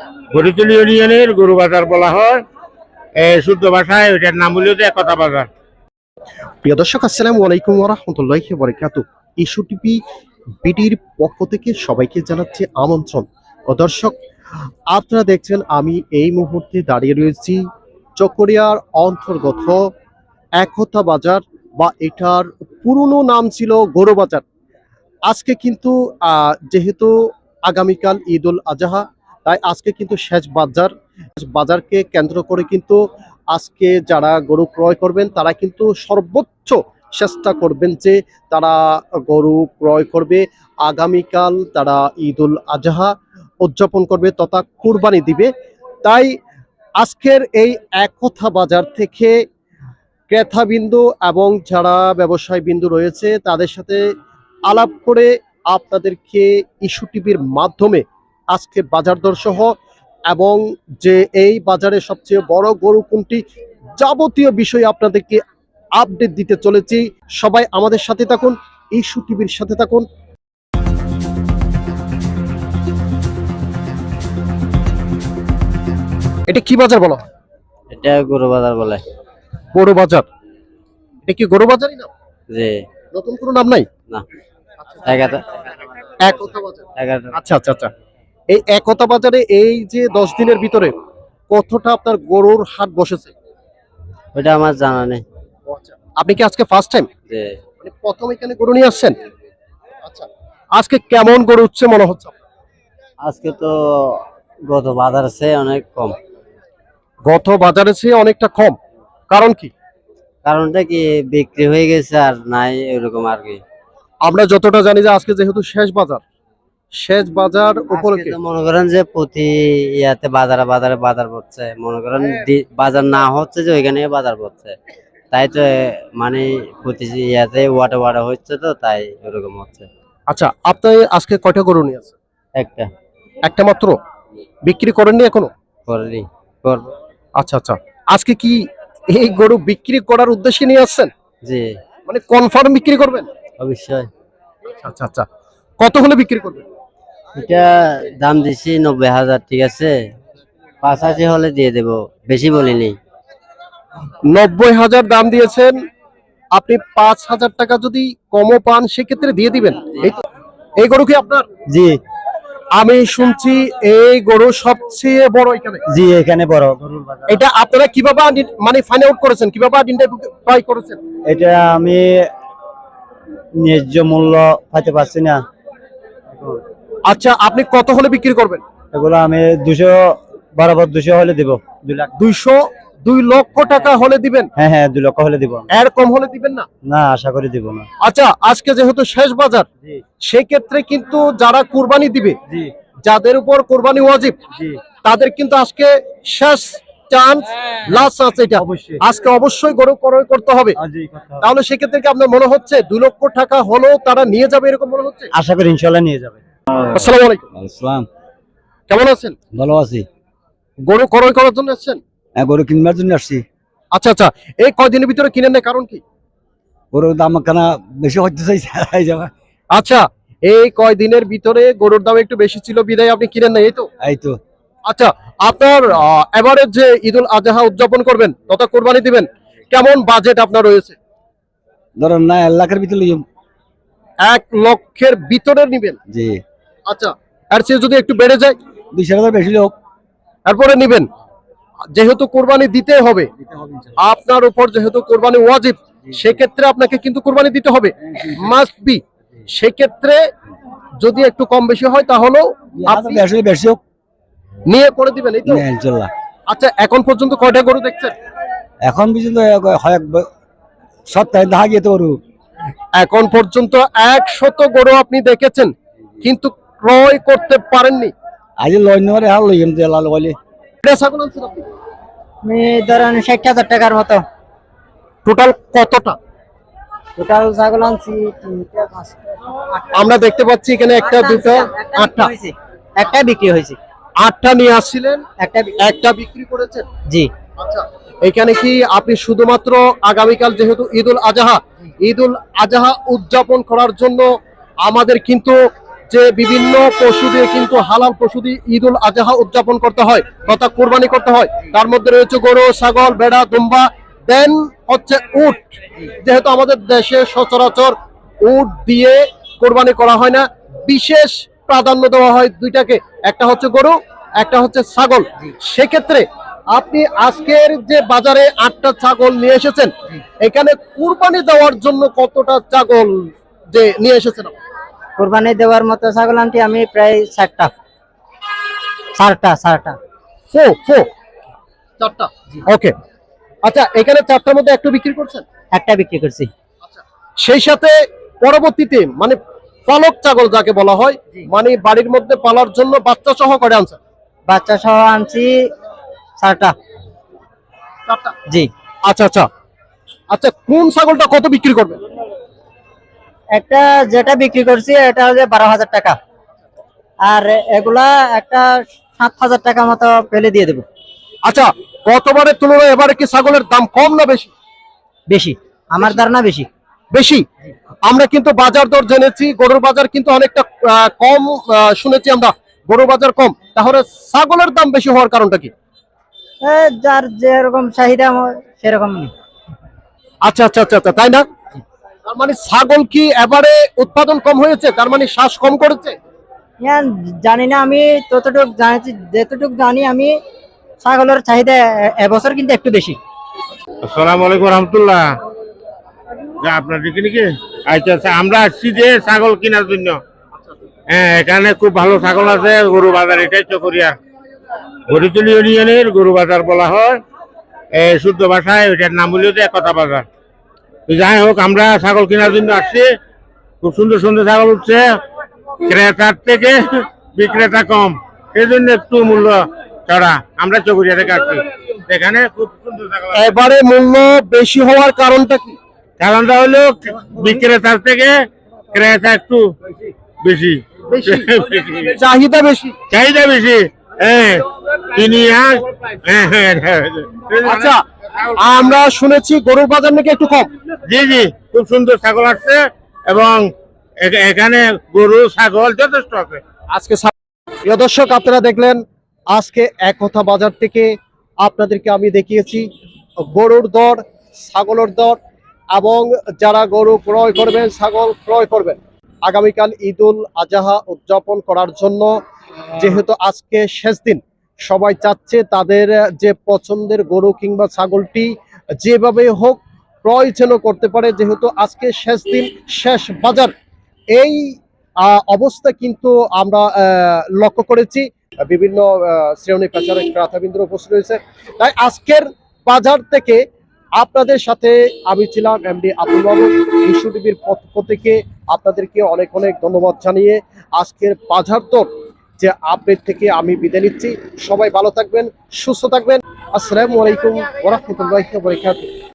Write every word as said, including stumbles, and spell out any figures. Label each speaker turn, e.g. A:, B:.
A: গরুতলী ইউনিয়নের গরু বাজার বলা হয়, শুদ্ধ ভাষায় ওইটার নাম হলো একতা বাজার।
B: প্রিয় দর্শক, আসসালামু আলাইকুম ওয়া রাহমাতুল্লাহি ওয়া বারাকাতুহু। ইস্যু টিভি বিটির পক্ষ থেকে সবাইকে জানাচ্ছি আমন্ত্রণ। ও দর্শক, আপনারা দেখছেন আমি এই মুহূর্তে দাঁড়িয়ে রয়েছি চকরিয়ার অন্তর্গত একতা বাজার, বা এটার পুরনো নাম ছিল গরু বাজার। আজকে কিন্তু আহ, যেহেতু আগামীকাল ঈদ উল আজহা, তাই আজকে কিন্তু শেষ বাজার। বাজারকে কেন্দ্র করে কিন্তু আজকে যারা গরু ক্রয় করবেন তারা কিন্তু সর্বোচ্চ চেষ্টা করবেন যে তারা গরু ক্রয় করবে। আগামীকাল তারা ঈদ উল আজহা উদযাপন করবে তথা কুরবানি দিবে। তাই আজকের এই একতা বাজার থেকে ক্রেতা বিন্দু এবং যারা ব্যবসায়ী বিন্দু রয়েছে তাদের সাথে আলাপ করে আপনাদেরকে ইস্যু টিভির মাধ্যমে আজকে বাজার দর সহ এবং যে এই বাজারে সবচেয়ে বড় গরু কোনটি যাবতীয় বিষয় আপনাদেরকে আপডেট দিতে চলেছি। সবাই আমাদের সাথে থাকুন, ইস্যু টিভির সাথে থাকুন। এটা কি বাজার বলো?
C: এটা গরু বাজার বলে।
B: গরু বাজার? এটা কি গরু বাজারই না?
C: জি।
B: নতুন কোনো নাম নাই?
C: না। একতা
B: একতা বাজার।
C: একতা।
B: আচ্ছা আচ্ছা আচ্ছা। এই একতা বাজারে এই যে দশ দিনের ভিতরে কতটা আপনার গরুর হাট বসেছে?
C: ওটা আমার জানা নেই।
B: আপনি কি আজকে ফার্স্ট টাইম?
C: জি।
B: মানে প্রথম এখানে গরু নিয়ে আসছেন? আচ্ছা। আজকে কেমন গরু উঠছে মনে হচ্ছে?
C: আজকে তো গত বাজার আছে অনেক কম।
B: গত বাজারে চেয়ে অনেকটা কম, কারণ কি?
C: কারণটা কি বিক্রি হয়ে গেছে আর নাই এরকম আর কি।
B: আমরা যতটা জানি যে আজকে যেহেতু শেষ বাজার, শেষ বাজার উপলক্ষে
C: মনে করেন যে প্রতি ইয়াতে বাজারে বাজারে বাজার পড়ছে, মনে করেন বাজার না হচ্ছে যে ওইখানে বাজার পড়ছে, তাই তো মানে প্রতি ইয়াতে ওয়াটা ওয়াটা হচ্ছে তো তাই এরকম হচ্ছে।
B: আচ্ছা, আপনি আজকে কয়টা গরু নিয়ে আসছেন?
C: একটা।
B: একটা মাত্র? বিক্রি করেননি এখনো?
C: করি করব।
B: আচ্ছা আচ্ছা। আজকে কি এই গরু বিক্রি করার উদ্দেশ্যে নিয়ে আসছেন?
C: জি।
B: মানে কনফার্ম বিক্রি করবেন?
C: অবশ্যই।
B: আচ্ছা আচ্ছা। কত হলে বিক্রি করবেন?
C: এটা দাম দিছি নব্বই হাজার, ঠিক আছে, পাঁচাশি হলে দিয়ে দেব, বেশি বলিনি।
B: নব্বই হাজার দাম দিয়েছেন, আপনি পাঁচ হাজার টাকা যদি কমও পান সেক্ষেত্রে দিয়ে দিবেন। এই গরু কি আপনার?
C: জি।
B: আমি শুনছি এই গরু সবচেয়ে বড় এখানে।
C: জি, এখানে বড়।
B: এটা আপনারা কিভাবে মানে ফাইন্ড আউট করেছেন, কিভাবে আইডেন্টিফাই করেছেন?
C: এটা আমি ন্যায্য মূল্য পাইতে পারছি না।
B: আচ্ছা, আপনি কত হলে বিক্রি করবেন?
C: এগুলো আমি দুশো বরাবর দুশো হলে দিব। দুই লাখ
B: দুইশো দুই লক্ষ টাকা হলে দিবেন?
C: হ্যাঁ হ্যাঁ, দুই লক্ষ হলে দিব।
B: এর কম হলে দিবেন না?
C: না, আশা করি দিব না।
B: আচ্ছা, আজকে যেহেতু শেষ বাজার, সেক্ষেত্রে কিন্তু যারা কুরবানি দিবে, যাদের উপর কুরবানি ওয়াজিব, তাদের কিন্তু আজকে শেষ চান্স, লাস্ট চান্স। এটা আজকে অবশ্যই গরু ক্রয় করতে হবে। তাহলে সেক্ষেত্রে কি আপনার মনে হচ্ছে দুই লক্ষ টাকা হলেও তারা নিয়ে যাবে এরকম মনে হচ্ছে?
C: আশা করি ইনশাআল্লাহ নিয়ে যাবে।
B: আসসালামু আলাইকুম।
C: আসসালাম।
B: কেমন আছেন?
C: ভালো আছি।
B: গরু ক্রয় করার জন্য এসেছেন?
C: হ্যাঁ, গরু কিনবার জন্য আসছি।
B: আচ্ছা আচ্ছা। এই কয়দিনের ভিতরে কিনেন না, কারণ কি?
C: গরুর দাম কেন বেশি হচ্ছে যাবে।
B: আচ্ছা, এই কয়দিনের ভিতরে গরুর দাম একটু বেশি ছিল বিদায় আপনি কিনেন না, এই তো?
C: এই তো।
B: আচ্ছা, আপনার এবারে যে ঈদ উল আজহা উদযাপন করবেন তথা কোরবানি দিবেন, কেমন বাজেট আপনার রয়েছে?
C: ধরেন না, এক লাখের ভিতরে
B: এক লক্ষের ভিতরে নিবেন?
C: জি।
B: আচ্ছা, আর সে যদি একটু বেড়ে যায়?
C: দুইশো হাজার বেশি লোক
B: তারপরে নিবেন। যেহেতু কোরবানি দিতে হবে আপনার উপর, যেহেতু কোরবানি ওয়াজিব, সেক্ষেত্রে আপনাকে কিন্তু কোরবানি দিতে হবে, মাস্ট বি। সেক্ষেত্রে যদি একটু কম বেশি হয় তাহলেও আপনি
C: বেশি হোক
B: নিয়ে করে দিবেন, এই তো?
C: ইনশাআল্লাহ।
B: আচ্ছা, এখন পর্যন্ত কয়টা গরু দেখছেন?
C: এখন পর্যন্ত সপ্তাহে দেখা গিয়ে তো গরু
B: এখন পর্যন্ত একশত গরু আপনি দেখেছেন, কিন্তু ক্রয় করতে পারেননি।
C: আজ লয় নেওয়ারে হাল লই এমতে লাল বলে।
B: ছাগল আনছেন আপনি?
C: আমি ধরেন ষাট হাজার টাকার মতো।
B: টোটাল কতটা?
C: টোটাল ছাগল আনছি
B: আমরা দেখতে পাচ্ছি এখানে একটা, দুটো, আটটা।
C: একটা বিক্রি হয়েছে।
B: আটটা নিয়ে আসছিলেন,
C: একটা
B: একটা বিক্রি করেছেন?
C: জি।
B: আচ্ছা, এখানে কি আপনি শুধুমাত্র আগামীকাল যেহেতু ঈদ উল আজহা, ঈদ উল আজহা উদযাপন করার জন্য আমাদের কিন্তু যে বিভিন্ন পশু দিয়ে কিন্তু হালাল পশু দিয়ে ঈদ উল আজহা উদযাপন করতে হয় তথা কোরবানি করতে হয়। তার মধ্যে রয়েছে গরু, ছাগল, ভেড়া, দুম্বা, দেন হচ্ছে উট। যেহেতু আমাদের দেশে সচরাচর উট দিয়ে কোরবানি করা হয় না, বিশেষ প্রাধান্য দেওয়া হয় দুইটাকে, একটা হচ্ছে গরু, একটা হচ্ছে ছাগল। সেক্ষেত্রে আপনি আজকের যে বাজারে আটটা ছাগল নিয়ে এসেছেন, এখানে কুরবানি দেওয়ার জন্য কতটা ছাগল যে নিয়ে এসেছেন?
D: কোরবানি দেওয়ার মতো ছাগল আনছি আমি প্রায় ষাটটা ষাটটা ষাটটা
B: ফো ফো চারটা। ওকে, আচ্ছা, এখানে চারটার মধ্যে একটু বিক্রি করছেন?
D: একটা বিক্রি করছি।
B: সেই সাথে পরবর্তীতে মানে পালক ছাগল যাকে বলা হয়, মানে বাড়ির মধ্যে পালার জন্য বাচ্চা সহ করে আনছেন?
D: বাচ্চা সহ আনছি চারটা।
B: চারটা।
D: জি।
B: আচ্ছা আচ্ছা আচ্ছা, কোন ছাগলটা কত বিক্রি করবেন?
D: একটা যেটা বিক্রি করছি এটা হচ্ছে বারো হাজার টাকা, আর এগুলা একটা সাত হাজার টাকা মতো ফেলে দিয়ে দেবো।
B: আচ্ছা, গতবারের তুলনায় এবারে কি ছাগলের দাম কম না বেশি?
D: বেশি, আমার ধারণা বেশি।
B: বেশি। আমরা কিন্তু বাজার দর জেনেছি, গরুর বাজার কিন্তু অনেকটা আহ, কম আহ, শুনেছি আমরা, গরুর বাজার কম, তাহলে ছাগলের দাম বেশি হওয়ার কারণটা কি?
D: এ, যার যেরকম চাহিদা সেরকম।
B: আচ্ছা আচ্ছা আচ্ছা আচ্ছা, তাই না? তার মানে ছাগল কি এবারে উৎপাদন কম হয়েছে, তার মানে শ্বাস কম করেছে?
D: হ্যাঁ, জানি না, আমি ততটুকু জানি, যেতটুকু জানি আমি ছাগলের চাহিদা এ- এবছর কিন্তু একটু বেশি।
A: আসসালামু আলাইকুম রহমতুল্লাহ। যা আপনার দিকে নাকি? আচ্ছা আচ্ছা, আমরা আসছি যে ছাগল কেনার জন্য। হ্যাঁ, এখানে খুব ভালো ছাগল আছে, গরু বাজার এটাই চকরিয়া গরিতুল ইউনিয়নের গরু বাজার বলা হয়। এই শুদ্ধ ভাষায় ওইটার নাম হলো যে একতা বাজার। তো যাই হোক, আমরা ছাগল কেনার জন্য আসছি। খুব সুন্দর সুন্দর ছাগল উঠছে, ক্রেতার থেকে বিক্রেতা কম, সেই জন্য একটু মূল্য চড়া। আমরা চকরিয়া থেকে আসছি, এখানে খুব সুন্দর ছাগল আছে।
B: এবারে মূল্য বেশি হওয়ার কারণটা কি?
A: কারণটা হলো বিক্রেতার থেকে ক্রেতা একটু বেশি,
B: বেশি চাহিদা বেশি।
A: চাহিদা বেশি। হ্যাঁ, তিনি আর হ্যাঁ, হ্যাঁ, হ্যাঁ।
B: আচ্ছা, আমরা শুনেছি গরুর বাজার নাকি একটু কম।
A: জি জি, খুব সুন্দর ছাগল আসছে এবং এ- এখানে গরু ছাগল যথেষ্ট আছে।
B: আজকে ছা- প্রিয় দর্শক, আপনারা দেখলেন আজকে একতা বাজার থেকে আপনাদেরকে আমি দেখিয়েছি গরুর দর, ছাগলের দর, এবং যারা গরু ক্রয় করবেন, ছাগল ক্রয় করবেন আগামীকাল ঈদ উল আজহা উদযাপন করার জন্য, যেহেতু আজকে শেষ দিন, সবাই চাচ্ছে তাদের যে পছন্দের গরু কিংবা ছাগলটি যেভাবে হোক ক্রয় যেন করতে পারে, যেহেতু আজকে শেষ দিন, শেষ বাজার। এই আহ, অবস্থা কিন্তু আমরা আহ, লক্ষ্য করেছি। বিভিন্ন আহ, শ্রেণী পেশার ক্রেতাবৃন্দ উপস্থিত রয়েছে। তাই আজকের বাজার থেকে আপনাদের সাথে আমি ছিলাম এমডি আব্দুল বাবু। ইস্যু টিভির পক্ষ থেকে আপনাদেরকে অনেক অনেক ধন্যবাদ জানিয়ে আজকের বাজার দর যে আপডেট থেকে আমি বিদায় নিচ্ছি। সবাই ভালো থাকবেন, সুস্থ থাকবেন। আসসালামু আলাইকুম ওয়া রাহমাতুল্লাহি ওয়া বারাকাতুহু।